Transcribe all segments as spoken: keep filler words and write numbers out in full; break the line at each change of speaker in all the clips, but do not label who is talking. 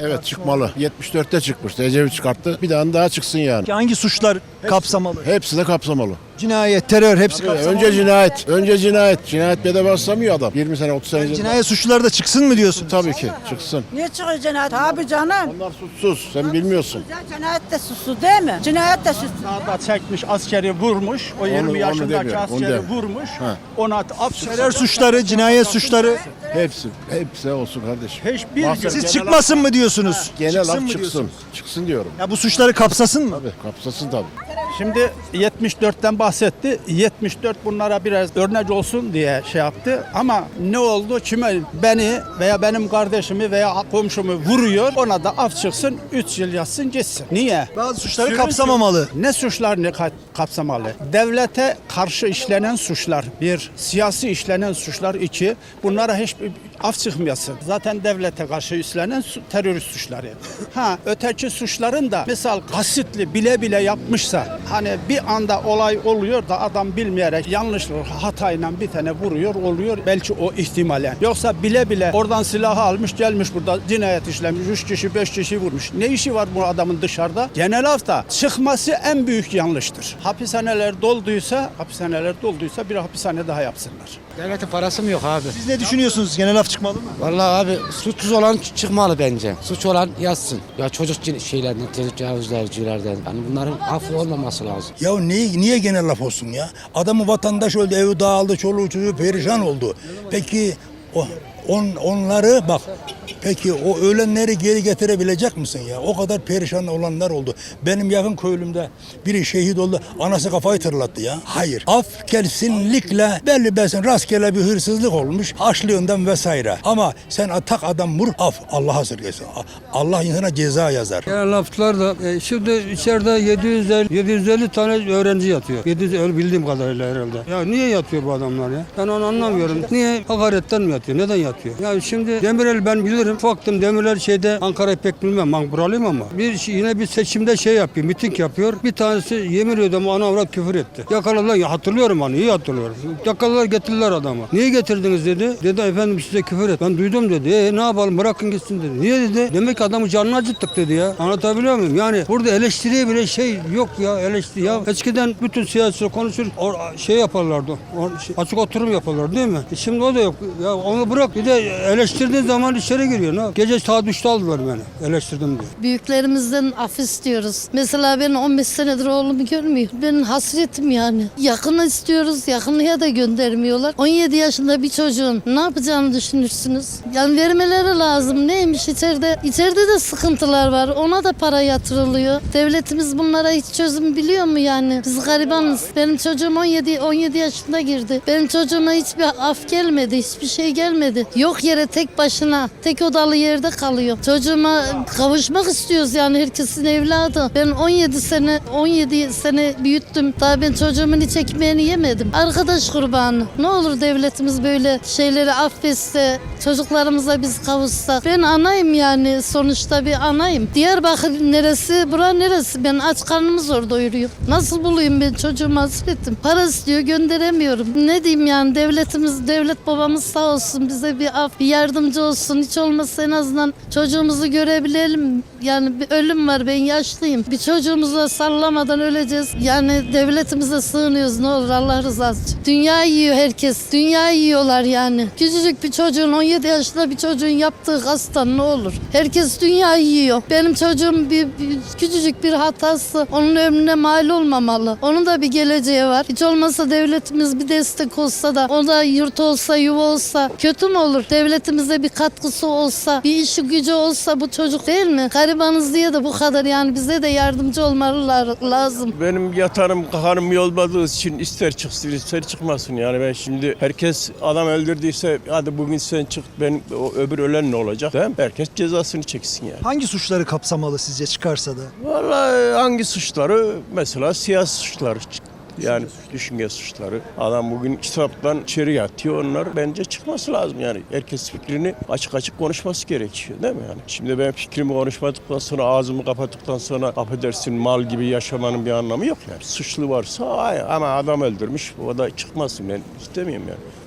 Evet çıkmalı. yetmiş dörtte çıkmıştı. Ecevit çıkarttı. Bir tane daha çıksın yani.
Hangi suçlar kapsamalı?
Hepsi de kapsamalı.
Cinayet, terör hepsi kapsamalı.
Önce cinayet. Önce cinayet. Cinayet bedava baslamıyor adam. yirmi sene otuz sene.
Cinayet suçluları da çıksın mı diyorsun?
Tabii ki çıksın.
Niye çıkıyor cinayet? Tabii canım.
Onlar suçsuz. Sen bilmiyorsun.
Ya cinayet de suçsuz değil mi? Cinayet de suçsuz.
Sağda çekmiş askeri vurmuş. O yirmi
onu
yaşındaki
demiyorum, onu
askeri
demiyorum.
vurmuş.
Ha.
Ona af
Terör suçları, cinayet suçları.
Hepsi. Hepsi olsun kardeşim.
Hiçbir
Mahsus-
Siz
genel
çıkmasın mı diyorsunuz?
Genel
Çıksın
af
mı
çıksın.
diyorsunuz?
Çıksın diyorum.
Ya bu suçları kapsasın mı?
Tabii kapsasın tabii.
Şimdi yetmiş dörtten bahsetti. yetmiş dört bunlara biraz örnek olsun diye şey yaptı. Ama ne oldu? Kime beni veya benim kardeşimi veya komşumu vuruyor. Ona da af çıksın. üç yıl yatsın gitsin. Niye?
Bazı suçları
Sürün-
kapsamamalı.
Ne suçlar ne ka- kapsamalı? Devlete karşı işlenen suçlar bir, siyasi işlenen suçlar iki. Bunlara hiçbir af çıkmayasın. Zaten devlete karşı işlenen su- terörist suçları. Ha öteki suçların da misal kasıtlı bile bile yapmışsa hani bir anda olay oluyor da adam bilmeyerek yanlışlıkla hatayla bir tane vuruyor oluyor belki o ihtimalen. Yoksa bile bile oradan silahı almış gelmiş burada cinayet işlemiş üç kişi beş kişi vurmuş. Ne işi var bu adamın dışarıda? Genel afta çıkması en büyük yanlıştır. Hapishaneler dolduysa hapishaneler dolduysa bir hapishane daha yapsınlar.
Devletin parası mı yok abi?
Siz ne düşünüyorsunuz? Genel af çıkmalı mı?
Vallahi abi suçsuz olan çıkmalı bence. Suç olan yatsın. Ya çocuk cin- şeylerden, tecavüzlercilerden. Yani bunların affı olmaması lazım.
Ya niye, niye genel laf olsun ya? Adamı vatandaş öldü, evi dağıldı, çoluğu çocuğu perişan oldu. Peki o on, onları bak, peki o ölenleri geri getirebilecek misin ya? O kadar perişan olanlar oldu. Benim yakın köylümde biri şehit oldu, anası kafayı tırlattı ya. Hayır, af kesinlikle belli belsin rastgele bir hırsızlık olmuş, haşlığından vesaire. Ama sen atak adam vur, af, Allah esirgesin. Allah insana ceza yazar.
Genel laflar da e, şimdi içeride yedi yüz elli, yedi yüz elli tane öğrenci yatıyor. yedi yüz elli bildiğim kadarıyla herhalde. Ya niye yatıyor bu adamlar ya? Ben onu anlamıyorum. Niye? Hakaretten mi yatıyor? Neden yatıyor? Ya şimdi Demirel ben bilirim. Faktım Demirel şeyde Ankara'yı pek bilmem. Ben buralıyım ama. Bir şey- yine bir seçimde şey yapıyor. Miting yapıyor. Bir tanesi yemin ediyorum ana avrat küfür etti. Yakaladılar. Ya hatırlıyorum onu. İyi hatırlıyorum. Yakaladılar getirdiler adamı. Niye getirdiniz dedi. Dedi efendim size küfür et. Ben duydum dedi. E ne yapalım bırakın gitsin dedi. Niye dedi. Demek ki adamı canını acıttık dedi ya. Anlatabiliyor muyum? Yani burada eleştiriye bile şey yok ya eleştiri. Ya eskiden bütün siyasi konuşur or, şey yaparlardı. Or, şey, açık oturum yaparlardı değil mi? E şimdi o da yok. Ya onu bırak. Bir de eleştirdiğin zaman içeri giriyor. Ne? Gece saat üçte aldılar beni. Eleştirdim diye.
Büyüklerimizden af istiyoruz. Mesela ben on beş senedir oğlumu görmüyor. Benim hasretim yani. Yakını istiyoruz. Yakınlığa da göndermiyorlar. on yedi yaşında bir çocuğun ne yapacağını düşünürsünüz? Yani vermeleri lazım. Neymiş içeride? İçeride de sıkıntılar var. Ona da para yatırılıyor. Devletimiz bunlara hiç çözüm biliyor mu yani? Biz garibanız. Benim çocuğum on yedi on yedi yaşında girdi. Benim çocuğuma hiçbir af gelmedi. Hiçbir şey gelmedi. Yok yere tek başına, tek odalı yerde kalıyor. Çocuğuma kavuşmak istiyoruz yani herkesin evladı. Ben on yedi sene, on yedi sene büyüttüm. Daha ben çocuğumun hiç ekmeğini yemedim. Arkadaş kurbanı. Ne olur devletimiz böyle şeyleri affetse, çocuklarımıza biz kavuşsak. Ben anayım yani sonuçta bir anayım. Diyarbakır neresi, bura neresi? Ben aç karnımı zor doyuruyorum. Nasıl bulayım ben çocuğumu hasretim? Para istiyor gönderemiyorum. Ne diyeyim yani devletimiz, devlet babamız sağ olsun bize bir af, bir yardımcı olsun. Hiç olmazsa en azından çocuğumuzu görebilelim. Yani bir ölüm var ben yaşlıyım. Bir çocuğumuza sallamadan öleceğiz. Yani devletimize sığınıyoruz ne olur Allah rızası için. Dünya yiyor herkes. Dünya yiyorlar yani. Küçücük bir çocuğun on yedi yaşında bir çocuğun yaptığı kastan ne olur. Herkes dünya yiyor. Benim çocuğum bir, bir küçücük bir hatası onun ömrüne mal olmamalı. Onun da bir geleceği var. Hiç olmazsa devletimiz bir destek olsa da o da yurt olsa yuva olsa kötü mü olur? Devletimize bir katkısı olsa, bir işi gücü olsa bu çocuk değil mi? Garibanız diye de bu kadar yani bize de yardımcı olmaları lazım.
Benim yatarım kaharım olmadığı için ister çıksın ister çıkmasın yani ben şimdi herkes adam öldürdüyse hadi bugün sen çık ben o öbür ölen ne olacak değil mi? Herkes cezasını çeksin yani.
Hangi suçları kapsamalı sizce çıkarsa da?
Vallahi hangi suçları mesela siyasi suçları yani düşünce suçları. Adam bugün kitaptan içeri yatıyor onlar bence çıkması lazım yani. Herkes fikrini açık açık konuşması gerekiyor değil mi yani? Şimdi ben fikrimi konuşmadıktan sonra ağzımı kapattıktan sonra affedersin mal gibi yaşamanın bir anlamı yok yani. Suçlu varsa hayır ama adam öldürmüş o da çıkmasın ben istemiyorum yani.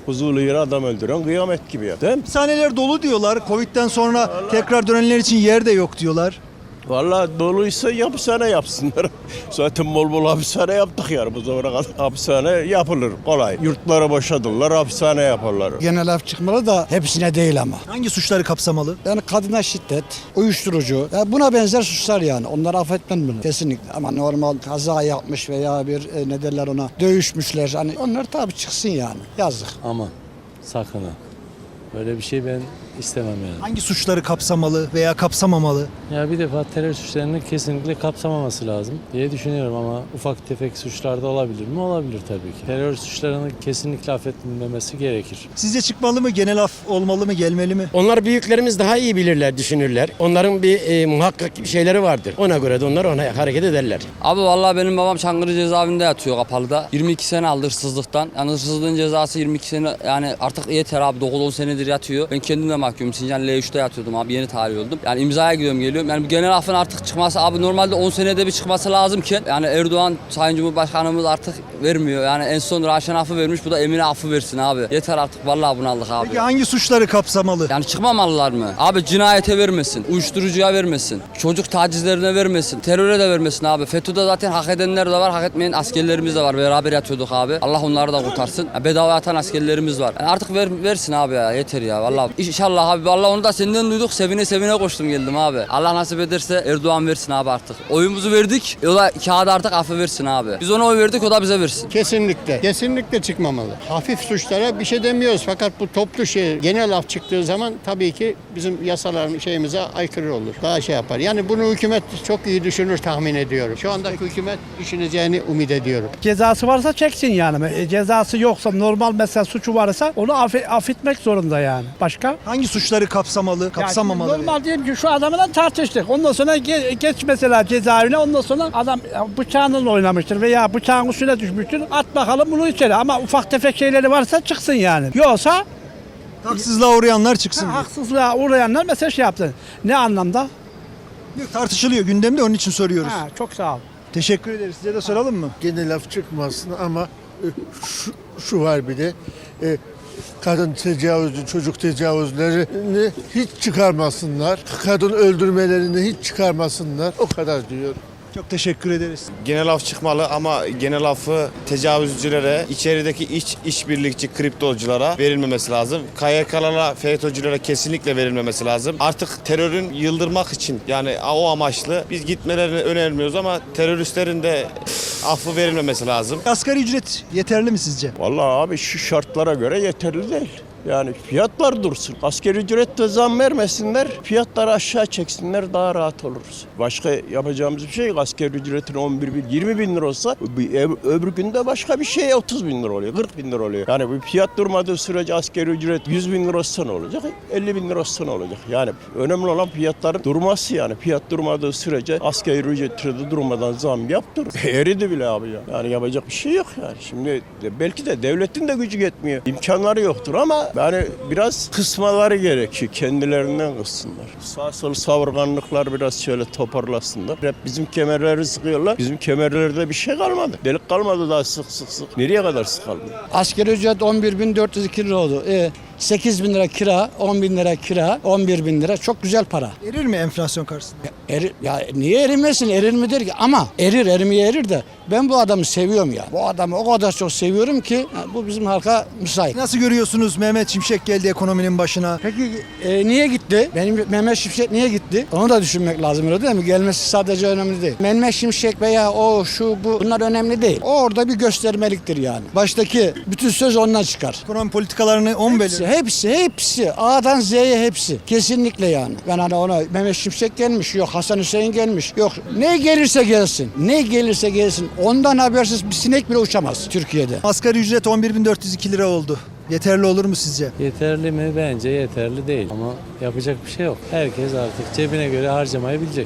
huzurlu yere adam öldüren kıyamet gibi ya. Değil mi?
Hapishaneler dolu diyorlar. Covid'den sonra tekrar dönenler için yer de yok diyorlar.
Vallahi doluysa hapishane yapsınlar. Zaten bol bol hapishane yaptık yani bu zamana kadar. Hapishane yapılır kolay. Yurtları boşadırlar, hapishane yaparlar.
Genel af çıkmalı da hepsine değil ama.
Hangi suçları kapsamalı?
Yani kadına şiddet, uyuşturucu, ya buna benzer suçlar yani. Onları affetmem bunu kesinlikle. Ama normal kaza yapmış veya bir e, ne derler ona dövüşmüşler. Hani onlar tabii çıksın yani. Yazık.
Ama sakın ha. Böyle bir şey ben istemem yani.
Hangi suçları kapsamalı veya kapsamamalı?
Ya bir defa terör suçlarını kesinlikle kapsamaması lazım diye düşünüyorum ama ufak tefek suçlarda olabilir mi? Olabilir tabii ki. Terör suçlarını kesinlikle affedilmemesi gerekir.
Sizce çıkmalı mı? Genel af olmalı mı? Gelmeli mi?
Onlar büyüklerimiz daha iyi bilirler, düşünürler. Onların bir e, muhakkak şeyleri vardır. Ona göre de onlar ona hareket ederler.
Abi vallahi benim babam Çankırı cezaevinde yatıyor kapalıda. yirmi iki sene aldı hırsızlıktan. Yani hırsızlığın cezası yirmi iki sene yani artık yeter abi dokuz on senedir yatıyor. Ben kendim de mahkumum. Sincan L üç'te yatıyordum abi yeni tarih oldum. Yani imzaya gidiyorum geliyorum. Yani bu genel affın artık çıkması abi normalde on senede bir çıkması lazımken yani Erdoğan Sayın Cumhurbaşkanımız artık vermiyor. Yani en son Raşen affı vermiş bu da Emine affı versin abi. Yeter artık vallahi bunaldık abi.
Peki hangi suçları kapsamalı?
Yani çıkmamalılar mı? Abi cinayete vermesin, uyuşturucuya vermesin, çocuk tacizlerine vermesin, teröre de vermesin abi. FETÖ'de zaten hak edenler de var, hak etmeyen askerlerimiz de var. Beraber yatıyorduk abi. Allah onları da kurtarsın. Ya bedava yatan askerlerimiz var. Yani artık ver, versin abi ya yeter ya vallahi. İnşallah abi vallahi onu da senden duyduk. Sevine sevine koştum geldim abi. Allah nasip ederse Erdoğan versin abi artık. Oyumuzu verdik. O da kağıda artık affı versin abi. Biz ona oy verdik o da bize versin.
Kesinlikle. Kesinlikle çıkmamalı. Hafif suçlara bir şey demiyoruz fakat bu toplu şey genel af çıktığı zaman tabii ki bizim yasaların şeyimize aykırı olur. Daha şey yapar. Yani bunu hükümet çok iyi düşünür tahmin ediyorum. Şu andaki hükümet düşüneceğini umut ediyorum.
Cezası varsa çeksin yani. E, cezası yoksa normal mesela suçu varsa onu affe- affetmek zorunda yani. Başka?
Hangi suçları kapsamalı, kapsamamalı?
Yani normal diyelim ki şu adamla tartıştık. Ondan sonra ge- geç mesela cezaevine. Ondan sonra adam bıçağınla oynamıştır veya bıçağın üstüne düşmüştür. At bakalım bunu içeri. Ama ufak tefek şeyleri varsa çıksın yani. Yoksa
Haksızlığa uğrayanlar çıksın.
ha, haksızlığa uğrayanlar mesela şey yaptı. Ne anlamda?
diyor. Tartışılıyor gündemde onun için soruyoruz.
Ha, çok sağ ol.
Teşekkür ederiz. Size de soralım mı?
Genel af çıkmasın ama e, şu, şu var bir de e, kadın tecavüzü, çocuk tecavüzlerini hiç çıkarmasınlar. Kadın öldürmelerini hiç çıkarmasınlar. O kadar diyor.
Çok teşekkür ederiz.
Genel af çıkmalı ama genel affı tecavüzcülere, içerideki iç işbirlikçi kriptoculara verilmemesi lazım. K Y K'lara, FETÖ'cülere kesinlikle verilmemesi lazım. Artık terörün yıldırmak için yani o amaçlı biz gitmelerini önermiyoruz ama teröristlerin de affı verilmemesi lazım.
Asgari ücret yeterli mi sizce?
Vallahi abi şu şartlara göre yeterli değil. Yani fiyatlar dursun. Asgari ücrette zam vermesinler, fiyatları aşağı çeksinler daha rahat oluruz. Başka yapacağımız bir şey yok. Asgari ücretin on bir bin, yirmi bin lira olsa öbür günde başka bir şey otuz bin lira oluyor, kırk bin lira oluyor. Yani bu fiyat durmadığı sürece asgari ücret yüz bin lira olsa ne olacak, elli bin lira olsa ne olacak? Yani önemli olan fiyatların durması yani. Fiyat durmadığı sürece asgari ücrete de durmadan zam yaptır. Eridi bile abi ya. Yani yapacak bir şey yok yani. Şimdi belki de devletin de gücü yetmiyor. İmkanları yoktur ama yani biraz kısmaları gerekiyor. Kendilerinden kıssınlar. Sağ sol savurganlıklar biraz şöyle toparlasınlar. Hep bizim kemerleri sıkıyorlar. Bizim kemerlerde bir şey kalmadı. Delik kalmadı daha sık sık sık. Nereye kadar sıkalım?
Asgari ücret on bir bin dört yüz iki lira oldu. E, sekiz bin lira kira, on bin lira kira, on bir bin lira çok güzel para.
Erir mi enflasyon karşısında?
Erir, ya niye erimmesin? Erir midir ki? Ama erir, erimeye erir de ben bu adamı seviyorum ya. Bu adamı o kadar çok seviyorum ki bu bizim halka müsait.
Nasıl görüyorsunuz Mehmet Şimşek geldi ekonominin başına?
Peki e, niye gitti? Benim Mehmet Şimşek niye gitti? Onu da düşünmek lazım öyle değil mi? Gelmesi sadece önemli değil. Mehmet Şimşek veya o şu bu bunlar önemli değil. O orada bir göstermeliktir yani. Baştaki bütün söz ondan çıkar.
Ekonomi politikalarını on
Hepsi,
belirli.
hepsi, hepsi. A'dan Z'ye hepsi. Kesinlikle yani. Ben hani ona Mehmet Şimşek gelmiş, yok Hasan Hüseyin gelmiş, yok ne gelirse gelsin, ne gelirse gelsin. Ondan habersiz bir sinek bile uçamaz Türkiye'de.
Asgari ücret on bir bin dört yüz iki lira oldu. Yeterli olur mu sizce?
Yeterli mi? Bence yeterli değil. Ama yapacak bir şey yok. Herkes artık cebine göre harcamayı bilecek.